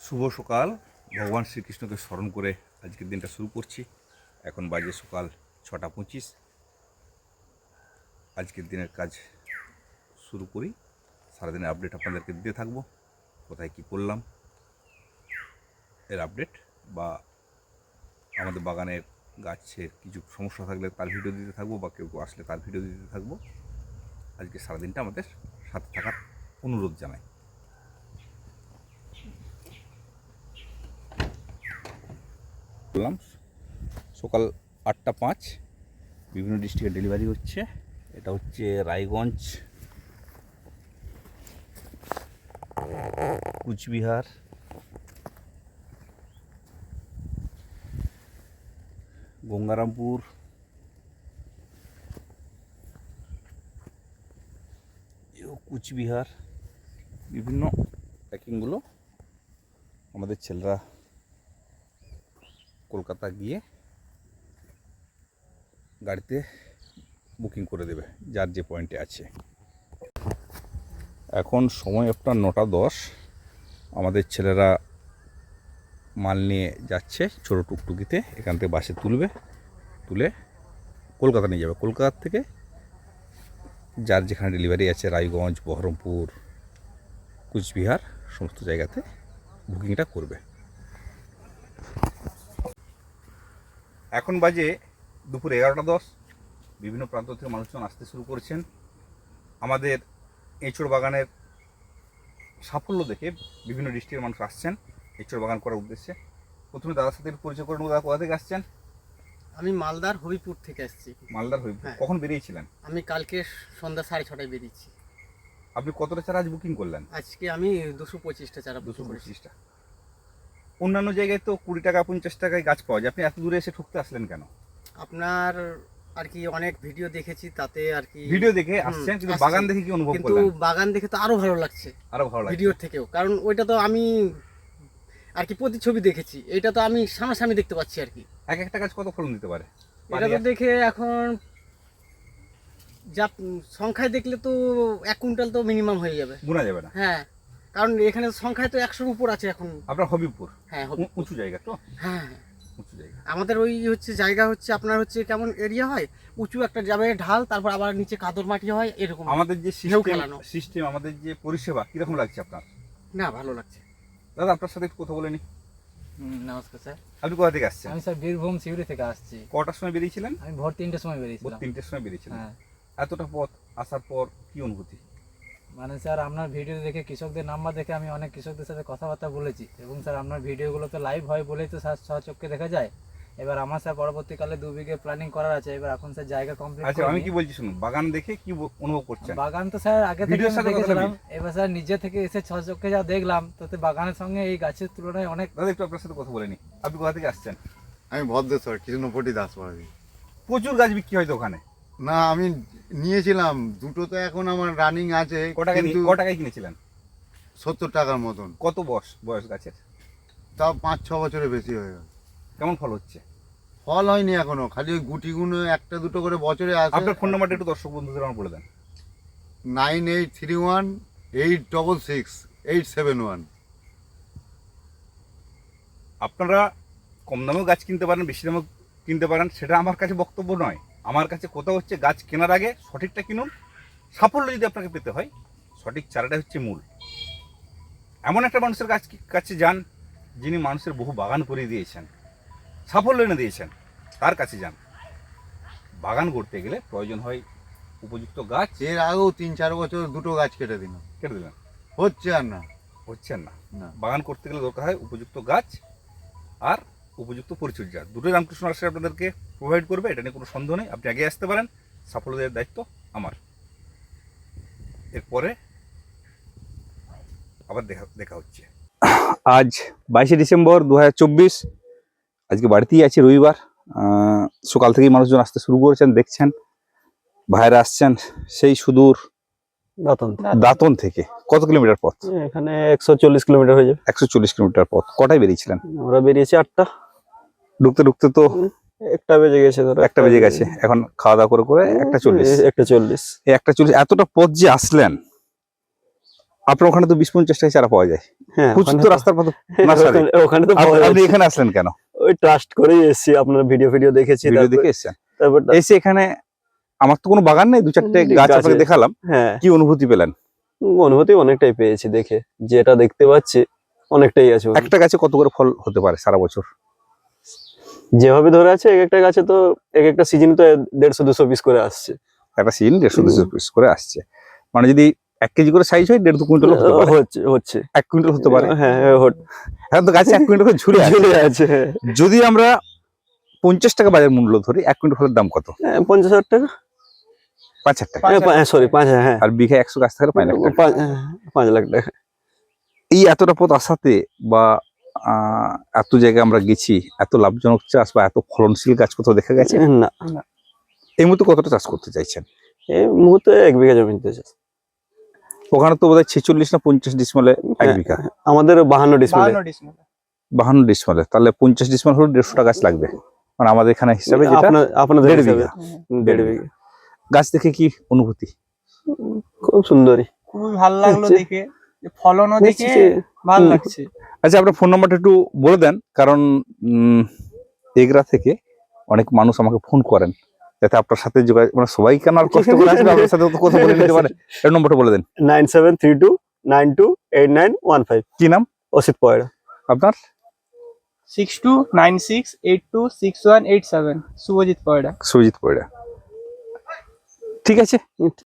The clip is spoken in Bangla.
শুভ সকাল। ভগবান শ্রীকৃষ্ণকে স্মরণ করে আজকের দিনটা শুরু করছি। এখন বাজে সকাল 6:25। আজকের দিনের কাজ শুরু করি। সারাদিনের আপডেট আপনাদেরকে দিতে থাকবো, কোথায় কী করলাম এর আপডেট, বা আমাদের বাগানের গাছের কিছু সমস্যা থাকলে তার ভিডিও দিতে থাকবো, বা কেউ আসলে তার ভিডিও দিতে থাকবো। আজকে সারাদিনটা আমাদের সাথে থাকার অনুরোধ জানাই। বললাম সকাল 8:05, বিভিন্ন ডিস্ট্রিক্টে ডেলিভারি হচ্ছে। এটা হচ্ছে রায়গঞ্জ, কুচবিহার, গঙ্গারামপুর, কুচবিহার, বিভিন্ন প্যাকিংগুলো আমাদের ছেলেরা কলকাতা গিয়ে গাড়িতে বুকিং করে দেবে যার যে পয়েন্টে আছে। এখন সময় আপনার 9:10। আমাদের ছেলেরা মাল নিয়ে যাচ্ছে ছোটো টুকটুকিতে, এখান থেকে বাসে তুলে কলকাতা নিয়ে যাবে। কলকাতা থেকে যার যেখানে ডেলিভারি আছে, রায়গঞ্জ, বহরমপুর, কুচবিহার, সমস্ত জায়গাতে বুকিংটা করবে। এখন বাজে দুপুর 11:10। বিভিন্ন প্রান্ত থেকে মানুষজন আসতে শুরু করেছেন। আমাদের এঁচড় বাগানের সাফল্য দেখে বিভিন্ন ডিস্ট্রিক্টের মানুষ আসছেন এঁচড় বাগান করার উদ্দেশ্যে। প্রথমে দাদার সাথে পরিচয় করে নেব। দাদা কোথা থেকে আসছেন? আমি মালদার হবিপুর থেকে আসছি। মালদার হবিপুর। হ্যাঁ। কখন বেরিয়েছিলেন? আমি কালকে সন্ধ্যা 6:30টায় বেরিয়েছি। আপনি কতটা চারা আজ বুকিং করলেন? আজকে আমি 225টা চারা বুকিং করেছি। 225টা। অন্যান্য জায়গায় তো 20 টাকা 50 টাকায় গাছ পাওয়া যায়, আপনি এত দূরে এসে ঠকতে আসলেন কেন? আপনার আর কি অনেক ভিডিও দেখেছি, তাতে আর কি ভিডিও দেখে আসছেন, কিন্তু বাগান দেখে কি অনুভব কিন্তু করলেন? বাগান দেখে তো আরো ভালো লাগছে, আরো ভালো লাগছে ভিডিওর থেকেও। কারণ ওইটা তো আমি আর কি প্রতিছবি দেখেছি, এটা তো আমি সামনাসামনি দেখতে পাচ্ছি আর কি। এক একটা গাছ কত ফলন দিতে পারে? এটা তো দেখে এখন যা সংখ্যায় দেখলে তো 1 কুইন্টাল তো মিনিমাম হয়ে যাবে, গোনা যাবে না। হ্যাঁ, কারণ এখানে সংখ্যায় তো 100-র উপর আছে এখন। আপনার হবিপুর? হ্যাঁ, উঁচু জায়গা তো। হ্যাঁ, উঁচু জায়গা। আমাদের ওই হচ্ছে জায়গা হচ্ছে আপনার হচ্ছে কেমন এরিয়া হয়, উঁচু একটা যাবে ঢাল, তারপর আবার নিচে কাদর মাটি হয়, এরকম। আমাদের যে খেলানো সিস্টেম, আমাদের যে পরিষেবা কিরকম লাগছে আপনার? না, ভালো লাগছে। দাদা আপনার সাথে একটু কথা বলে নি। নমস্কার স্যার। আপনি কোথা থেকে আসছেন? আমি স্যার বীরভূম সিউড়ি থেকে আসছি। কটার সময় বেরিয়েছিলেন? আমি ভোর 3টের সময় ভোর বেরিয়েছিলাম। 3টের সময় বেরিয়েছিলেন। হ্যাঁ, এতটা পথ আসার পর কি অনুভূতি? মানে স্যার আপনার ভিডিও দেখে, কৃষকদের নাম্বার দেখে আমি অনেক কৃষকদের সাথে কথাবার্তা বলেছি, এবং স্যার আপনার ভিডিওগুলো তো লাইভ হয় বলেই তো স্যার সচক্ষে দেখা যায়। এবার আমার স্যার পরবর্তীকালে 2 বিঘে প্ল্যানিং করার আছে। এবার এখন স্যার জায়গা কমপ্লিট। আচ্ছা, আমি কি বলছি শুনুন, বাগান দেখে কি অনুভব করছেন? বাগান তো স্যার আগে থেকে ভিডিওর সাথে দেখেছিলাম, এবার স্যার নিজে থেকে এসে সচক্ষে যা দেখলাম, তাতে বাগানের সঙ্গে এই গাছের তুলনায় অনেক। দাদা একটু আপনার সাথে কথা বলে নি। আপনি কোথা থেকে আসছেন? আমি ভদ্রেশ্বর কৃষ্ণপটি দাসপাড়ি। প্রচুর গাছ বিক্রি হয় তো ওখানে। না, আমি নিয়েছিলাম দুটো, তো এখন আমার রানিং আছে। কিন্তু ক টাকায় কিনেছিলেন? 70 টাকার মতন। কত বয়স গাছের? তাও 5-6 বছরের বেশি হয়ে গেল। কেমন ফল হচ্ছে? ফল হয়নি এখনো, খালি ওই গুটিগুলো একটা দুটো করে বছরে আসে। আপনার ফোন নাম্বারটা একটু দর্শক বন্ধুদের আমার বলে দেন। 9831-866-871। আপনারা কম দামেও গাছ কিনতে পারেন, বেশি দামেও কিনতে পারেন, সেটা আমার কাছে বক্তব্য নয়। আমার কাছে কথা হচ্ছে গাছ কেনার আগে সঠিকটা কিনুন। সাফল্য যদি আপনাকে পেতে হয়, সঠিক চারাটা হচ্ছে মূল। এমন একটা মানুষের কাছে যান যিনি মানুষের বহু বাগান করে দিয়েছেন, সাফল্য এনে দিয়েছেন, তার কাছে যান। বাগান করতে গেলে প্রয়োজন হয় উপযুক্ত গাছ। এর আগেও 3-4 বছর দুটো গাছ কেটে দিলাম, কেটে দিলেন, হচ্ছে আর না। হচ্ছেন না। না। বাগান করতে গেলে দরকার হয় উপযুক্ত গাছ আর উপযুক্ত পরিচর্যা। দুটোই রামকৃষ্ণ আশ্রয় আপনাদেরকে প্রোভাইড করবে, এটা নিয়ে কোনো সন্দেহ নেই। আপনি আগে আসতে পারেন, সাফল্য দেওয়ার দায়িত্ব আমার। এরপরে আবার দেখা হচ্ছে। আজ 22শে ডিসেম্বর 2024। আজকে বাড়িতেই আছি, রবিবার। সকাল থেকেই মানুষজন আসতে শুরু করেছেন, দেখছেন ভাইরা আসছেন সেই সুদূর দাঁতন থেকে। কত কিলোমিটার পথ? এখানে 140 কিলোমিটার হয়ে যাবে। 140 কিলোমিটার পথ। কটায় বেরিয়েছিলেন? আমরা বেরিয়েছি 8টা। ঢুকতে ঢুকতে তো 1টা বেজে গেছে, ধরো 1টা বেজে গেছে। এখন খাওয়া দাওয়া করে 1:40। 1:40। এই 1:40 এতটা পথ যে আসলেন, আপনার ওখানে তো 20-50 টাকা চারা পাওয়া যায়, হ্যাঁ প্রচুর তো রাস্তার পথে নার্সারি। ওখানে তো পাওয়া আপনি যাচ্ছে। এখানে আসলেন কেন? ওই ট্রাস্ট করেই এসেছি, আপনার ভিডিও দেখেছি, ভিডিও দেখে এসেছেন? তারপর এসে এখানে আমার তো কোনো বাগান নেই, 2-4টে গাছ গাছ আপনাকে আছে। দেখালাম, হ্যাঁ কি অনুভূতি পেলেন? অনুভূতি অনেকটাই পেয়েছি দেখে, যেটা দেখতে পাচ্ছি অনেকটাই আছে ওখানে। একটা গাছে কত করে ফল হতে পারে সারা বছর? যেভাবে ধরে আছে এক একটা গাছে তো এক একটা সিজন তো 150-200 পিস করে আসছে। একটা সিজন 150-200 পিস করে আসছে, মানে যদি 1 কেজি করে সাইজ হয় 1.5-2 কুইন্টাল হতে পারে। হচ্ছে 1 কুইন্টাল হতে পারে। হ্যাঁ এখন তো গাছে 1 কুইন্টাল করে ঝুলে আছে। ঝুলে আছে। যদি আমরা 50 টাকা বাজার মূল্য ধরি, 1 কুইন্টাল ফলের দাম কত? 50,000 টাকা, 5,000 টাকা। সরি 5, হ্যাঁ আর বিঘা 100 গাছ থাকলে 5 লাখ টাকা। 5 লাখ টাকা। এই এতটা পথ আসাতে বা এত জায়গায় আমরা গেছি, এত লাভজনক চাষ বা এত ফলনশীল গাছ কোথাও দেখা গেছে? না এই মুহূর্তে কতটা চাষ করতে চাইছেন? এই মুহূর্তে 1 বিঘা জমিতে আছে। ওখানে তো বোধহয় 46 না 50 ডিসমালে 1 বিঘা। আমাদের 52 ডিসপ্লে। 52 ডিসমালে, তাহলে 50 ডিসমাল হলে 150টা গাছ লাগবে, মানে আমাদের এখানে হিসাবে যেটা আপনাদের 1.5 হিসাবে বিঘা। 1.5 বিঘা। গাছ দেখে কি অনুভূতি? খুব সুন্দরী। খুবই ভালো লাগলো হচ্ছে। দেখে, ফলনও দেখে দেখছি যে- ভালো লাগছে। আচ্ছা, আপনার ফোন নাম্বারটা একটু বলে দেন, কারণ এগরা থেকে অনেক মানুষ আমাকে ফোন করেন, যাতে আপনার সাথে যোগাযোগ, মানে সবাই কেন আর কষ্ট করে আসবে, আপনার সাথে তো কথা বলে নিতে পারে। এর নম্বরটা বলে দেন। 9732928915। কি নাম? অসিত পয়রা। আপনার? 6296826187 শুভজিৎ পয়রা। সুজিত পয়রা। ঠিক আছে,